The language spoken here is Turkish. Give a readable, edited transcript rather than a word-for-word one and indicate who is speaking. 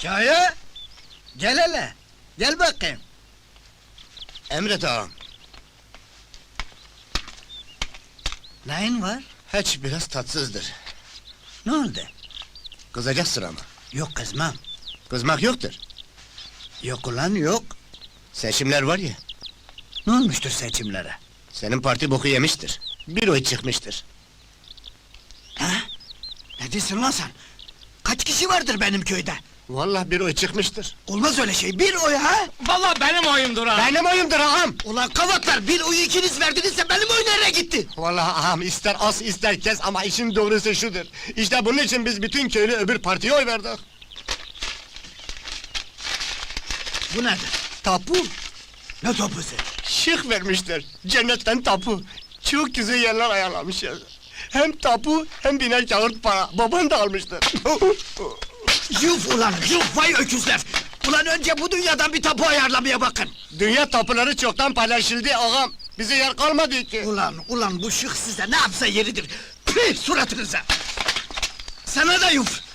Speaker 1: Kaya! Gel hele! Gel bakayım!
Speaker 2: Emret ağam.
Speaker 1: Neyin var?
Speaker 2: Hiç biraz tatsızdır.
Speaker 1: Ne oldu?
Speaker 2: Kızacaksın ama.
Speaker 1: Yok kızmam.
Speaker 2: Kızmak yoktur.
Speaker 1: Yok ulan yok.
Speaker 2: Seçimler var ya,
Speaker 1: Ne olmuştur seçimlere?
Speaker 2: senin parti boku yemiştir. Bir oy çıkmıştır.
Speaker 1: Ha? Ne diyorsun lan sen? Kaç kişi vardır benim köyde?
Speaker 2: Vallahi bir oy çıkmıştır.
Speaker 1: Olmaz öyle şey, bir oy ha?
Speaker 3: Vallahi benim oyumdur ha!
Speaker 2: Benim oyumdur ağam!
Speaker 1: Ulan kavatlar, bir oyu ikiniz verdinizse benim oy nereye gitti?
Speaker 2: Vallahi ağam, ister as ister kes ama işin doğrusu şudur. İşte bunun için biz bütün köylü öbür partiye oy verdik.
Speaker 1: Bu nedir?
Speaker 2: Tapu,
Speaker 1: Ne topusu?
Speaker 2: şık vermişler. Cennetten tapu. Çok güzel yerler ayarlamışlar. Hem tapu hem biner kağıt para. Baban da almıştır.
Speaker 1: Yuf ulan, yuf vay öküzler! Ulan önce bu dünyadan bir tapu ayarlamaya bakın!
Speaker 2: Dünya tapuları çoktan paylaşıldı ağam. Bize yer kalmadı ki.
Speaker 1: Ulan bu şık size ne yapsa yeridir! Püh suratınıza! Sana da yuf!